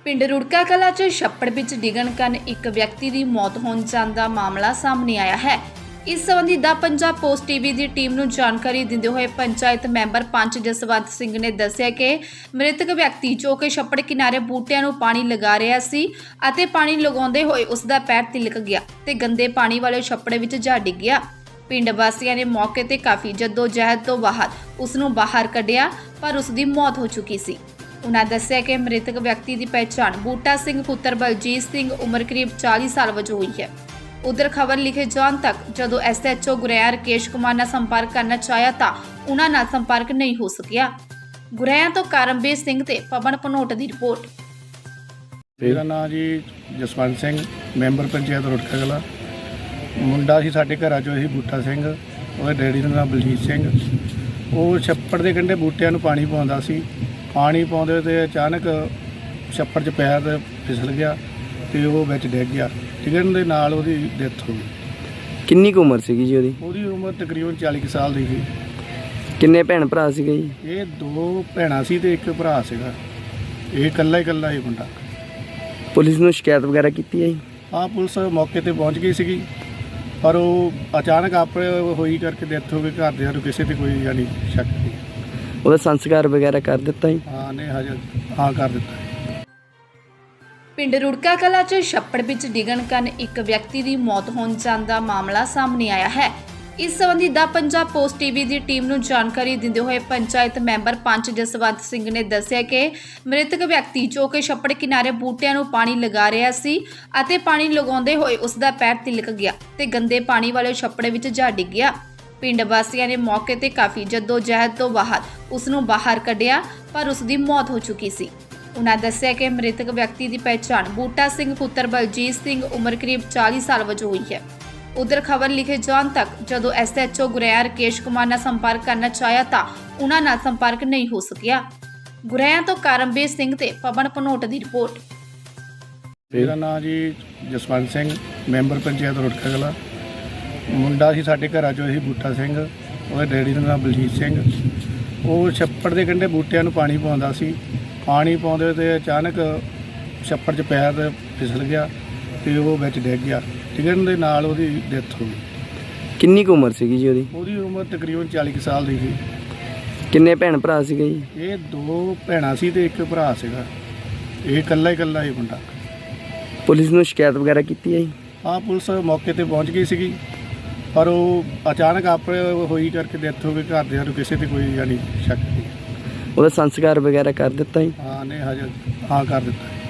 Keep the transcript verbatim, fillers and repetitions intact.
ਪਿੰਡ ਰੁੜਕਾ ਕਲਾਂ 'ਚ ਛੱਪੜ ਵਿੱਚ ਡਿੱਗਣ ਕਾਰਨ ਇੱਕ ਵਿਅਕਤੀ ਦੀ ਮੌਤ ਹੋਣ ਜਾਣ ਦਾ ਮਾਮਲਾ ਸਾਹਮਣੇ ਆਇਆ ਹੈ। ਇਸ ਸੰਬੰਧੀ ਦਾ ਪੰਜਾਬ ਪੋਸਟ ਟੀਵੀ ਦੀ ਟੀਮ ਨੂੰ ਜਾਣਕਾਰੀ ਦਿੰਦੇ ਹੋਏ ਪੰਚਾਇਤ ਮੈਂਬਰ ਪੰਚ ਜਸਵੰਤ ਸਿੰਘ ਨੇ ਦੱਸਿਆ ਕਿ ਮ੍ਰਿਤਕ ਵਿਅਕਤੀ ਜੋ ਕਿ ਛੱਪੜ ਕਿਨਾਰੇ ਬੂਟਿਆਂ ਨੂੰ ਪਾਣੀ ਲਗਾ ਰਿਹਾ ਸੀ ਅਤੇ ਪਾਣੀ ਲਗਾਉਂਦੇ ਹੋਏ ਉਸ ਦਾ ਪੈਰ ਤਿਲਕ ਗਿਆ ਤੇ ਗੰਦੇ ਪਾਣੀ ਵਾਲੇ ਛੱਪੜ ਵਿੱਚ ਜਾ ਡਿੱਗ ਗਿਆ। ਪਿੰਡ ਵਾਸੀਆਂ ਨੇ ਮੌਕੇ ਤੇ ਕਾਫੀ ਜਹਿਦ ਤੋਂ ਬਾਅਦ ਉਸ ਨੂੰ ਬਾਹਰ ਕੱਢਿਆ ਪਰ ਉਸ ਦੀ ਮੌਤ ਹੋ ਚੁੱਕੀ ਸੀ। ਉਨ੍ਹਾਂ ਦੱਸਿਆ ਕਿ ਮ੍ਰਿਤਕ ਵਿਅਕਤੀ ਦੀ ਪਹਿਚਾਣ ਬੂਟਾ ਸਿੰਘ ਪੁੱਤਰ ਬਲਜੀਤ ਸਿੰਘ ਉਮਰ ਕਰੀਬ ਚਾਲੀ ਸਾਲ ਵਜੋਂ ਹੋਈ ਹੈ। ਉਧਰ ਖਬਰ ਲਿਖੇ ਜਾਣ ਤੱਕ ਜਦੋਂ S H O Guraya Rakesh Kumar ਨਾਲ ਸੰਪਰਕ ਕਰਨਾ ਚਾਹਿਆ ਤਾਂ ਉਨ੍ਹਾਂ ਨਾਲ ਸੰਪਰਕ ਨਹੀਂ ਹੋ ਸਕਿਆ। ਗੁਰੇਆ ਤੋਂ ਕਰਮਵੀਰ ਸਿੰਘ ਤੇ ਪਵਨ ਭਨੋਟ ਦੀ ਰਿਪੋਰਟ। ਮੇਰਾ ਨਾਮ ਜੀ ਜਸਵੰਤ ਸਿੰਘ, ਮੈਂਬਰ ਪੰਚਾਇਤ ਰੁੜਕਾ ਕਲਾਂ। ਮੁੰਡਾ ਸੀ ਸਾਡੇ ਘਰਾਂ ਚੋਂ ਸੀ ਬੂਟਾ ਸਿੰਘ, ਉਹਦੇ ਡੈਡੀ ਦਾ ਨਾਮ ਬਲਜੀਤ ਸਿੰਘ। ਉਹ ਛੱਪੜ ਦੇ ਕੰਢੇ ਬੂਟਿਆਂ ਨੂੰ ਪਾਣੀ ਪਾਉਂਦਾ ਸੀ। ਪਾਣੀ ਪਾਉਂਦੇ ਤੇ ਅਚਾਨਕ ਛੱਪੜ 'ਚ ਪੈਰ ਫਿਸਲ ਗਿਆ ਤੇ ਉਹ ਵਿੱਚ ਡਿੱਗ ਗਿਆ। ਡਿੱਗਣ ਦੇ ਨਾਲ ਉਹਦੀ ਡੈਥ ਹੋ ਗਈ। ਕਿੰਨੀ ਕੁ ਉਮਰ ਸੀਗੀ ਜੀ ਉਹਦੀ? ਉਹਦੀ ਉਮਰ ਤਕਰੀਬਨ ਚਾਲੀ ਕੁ ਸਾਲ ਦੀ ਸੀ। ਕਿੰਨੇ ਭੈਣ ਭਰਾ ਸੀਗੇ ਜੀ? ਇਹ ਦੋ ਭੈਣਾਂ ਸੀ ਤੇ ਇੱਕ ਭਰਾ ਸੀਗਾ। ਇਹ ਇਕੱਲਾ ਹੀ ਇਕੱਲਾ ਹੀ ਮੁੰਡਾ। ਪੁਲਿਸ ਨੂੰ ਸ਼ਿਕਾਇਤ ਵਗੈਰਾ ਕੀਤੀ ਹੈ ਜੀ? ਹਾਂ, ਪੁਲਿਸ ਮੌਕੇ ਤੇ ਪਹੁੰਚ ਗਈ ਸੀਗੀ ਪਰ ਉਹ ਅਚਾਨਕ ਆਪ ਹੋਈ ਕਰਕੇ ਡੈਥ ਹੋ ਗਈ। ਘਰਦਿਆਂ ਨੂੰ ਕਿਸੇ ਤੇ ਕੋਈ ਯਾਨੀ ਸ਼ੱਕ ਨਹੀਂ। ਉਹਦਾ ਸੰਸਕਾਰ ਵਗੈਰਾ ਕਰ ਦਿੱਤਾ ਜੀ? ਹਾਂ ਨੇ ਹਜੇ ਹਾਂ ਕਰ ਦਿੱਤਾ। ਪਿੰਡ ਰੁੜਕਾ ਕਲਾਂ 'ਚ ਛੱਪੜ ਵਿੱਚ ਡਿੱਗਣ ਕਾਰਨ ਇੱਕ ਵਿਅਕਤੀ ਦੀ ਮੌਤ ਹੋਣ ਜਾਣ ਦਾ ਮਾਮਲਾ ਸਾਹਮਣੇ ਆਇਆ ਹੈ। ਇਸ ਸੰਬੰਧੀ ਦਾ ਪੰਜਾਬ ਪੋਸਟ ਟੀਵੀ ਦੀ ਟੀਮ ਨੂੰ ਜਾਣਕਾਰੀ ਦਿੰਦੇ ਹੋਏ ਪੰਚਾਇਤ ਮੈਂਬਰ ਪੰਚ ਜਸਵੰਤ ਸਿੰਘ ਨੇ ਦੱਸਿਆ ਕਿ ਮ੍ਰਿਤਕ ਵਿਅਕਤੀ ਜੋ ਕਿ ਛੱਪੜ ਕਿਨਾਰੇ ਬੂਟਿਆਂ ਨੂੰ ਪਾਣੀ ਲਗਾ ਰਿਹਾ ਸੀ ਅਤੇ ਪਾਣੀ ਲਗਾਉਂਦੇ ਹੋਏ ਉਸ ਦਾ ਪੈਰ ਤਿਲਕ ਗਿਆ ਤੇ ਗੰਦੇ ਪਾਣੀ ਵਾਲੇ ਛੱਪੜ ਵਿੱਚ ਜਾ ਡਿੱਗ ਗਿਆ। ਪਿੰਡ ਵਾਸੀਆਂ ਨੇ ਮੌਕੇ ਤੇ ਕਾਫੀ ਜਹਿਦ ਤੋਂ ਬਾਅਦ ਉਸ ਨੂੰ ਬਾਹਰ ਕੱਢਿਆ ਪਰ ਉਸ ਦੀ ਮੌਤ ਹੋ ਚੁੱਕੀ ਸੀ। ਉਨ੍ਹਾਂ ਦੱਸਿਆ ਕਿ ਮ੍ਰਿਤਕ ਵਿਅਕਤੀ ਦੀ ਪਹਿਚਾਣ ਬੂਟਾ ਸਿੰਘ ਪੁੱਤਰ ਬਲਜੀਤ ਸਿੰਘ ਉਮਰ ਕਰੀਬ ਚਾਲੀ ਸਾਲ ਵਜੋਂ ਹੋਈ ਹੈ। ਉਧਰ ਖਬਰ ਲਿਖੇ ਜਾਣ ਤੱਕ ਜਦੋਂ S H O Guraya Rakesh Kumar ਨਾਲ ਸੰਪਰਕ ਕਰਨਾ ਚਾਹਿਆ ਤਾਂ ਉਨ੍ਹਾਂ ਨਾਲ ਸੰਪਰਕ ਨਹੀਂ ਹੋ ਸਕਿਆ। ਗੁਰੇਆ ਤੋਂ ਕਰਮਵੀਰ ਸਿੰਘ ਤੇ ਪਵਨ ਭਨੋਟ ਦੀ ਰਿਪੋਰਟ। ਮੇਰਾ ਨਾਮ ਜੀ ਜਸਵੰਤ ਸਿੰਘ, ਮੈਂਬਰ ਪੰਚਾਇਤ ਰੁੜਕਾ ਕਲਾਂ। ਮੁੰਡਾ ਸੀ ਸਾਡੇ ਘਰਾਂ ਚੋਂ ਸੀ ਬੂਟਾ ਸਿੰਘ, ਉਹਦੇ ਡੈਡੀ ਦਾ ਨਾਮ ਬਲਜੀਤ ਸਿੰਘ। ਉਹ ਛੱਪੜ ਦੇ ਕੰਢੇ ਬੂਟਿਆਂ ਨੂੰ ਪਾਣੀ ਪਾਉਂਦਾ ਸੀ। ਪਾਣੀ ਪਾਉਂਦੇ ਤੇ ਅਚਾਨਕ ਛੱਪੜ 'ਚ ਪੈਰ ਫਿਸਲ ਗਿਆ ਤੇ ਉਹ ਵਿੱਚ ਡਿੱਗ ਗਿਆ। ਡਿੱਗਣ ਦੇ ਨਾਲ ਉਹਦੀ ਡੈਥ ਹੋ ਗਈ। ਕਿੰਨੀ ਕੁ ਉਮਰ ਸੀਗੀ ਜੀ ਉਹਦੀ? ਉਹਦੀ ਉਮਰ ਤਕਰੀਬਨ ਚਾਲੀ ਕੁ ਸਾਲ ਦੀ ਸੀ। ਕਿੰਨੇ ਭੈਣ ਭਰਾ ਸੀਗੇ ਜੀ? ਇਹ ਦੋ ਭੈਣਾਂ ਸੀ ਤੇ ਇੱਕ ਭਰਾ ਸੀਗਾ। ਇਹ ਇਕੱਲਾ ਹੀ ਇਕੱਲਾ ਹੀ ਮੁੰਡਾ। ਪੁਲਿਸ ਨੂੰ ਸ਼ਿਕਾਇਤ ਵਗੈਰਾ ਕੀਤੀ ਹੈ ਜੀ? ਹਾਂ, ਪੁਲਿਸ ਮੌਕੇ ਤੇ ਪਹੁੰਚ ਗਈ ਸੀਗੀ ਪਰ ਉਹ ਅਚਾਨਕ ਆਪ ਹੋਈ ਕਰਕੇ ਡੈਥ ਹੋ ਗਈ। ਘਰਦਿਆਂ ਨੂੰ ਕਿਸੇ ਤੇ ਕੋਈ ਯਾਨੀ ਸ਼ੱਕ ਨਹੀਂ। ਉਹਦਾ ਸੰਸਕਾਰ ਵਗੈਰਾ ਕਰ ਦਿੱਤਾ ਜੀ? ਹਾਂ ਨੇ ਹਜੇ ਹਾਂ ਕਰ ਦਿੱਤਾ।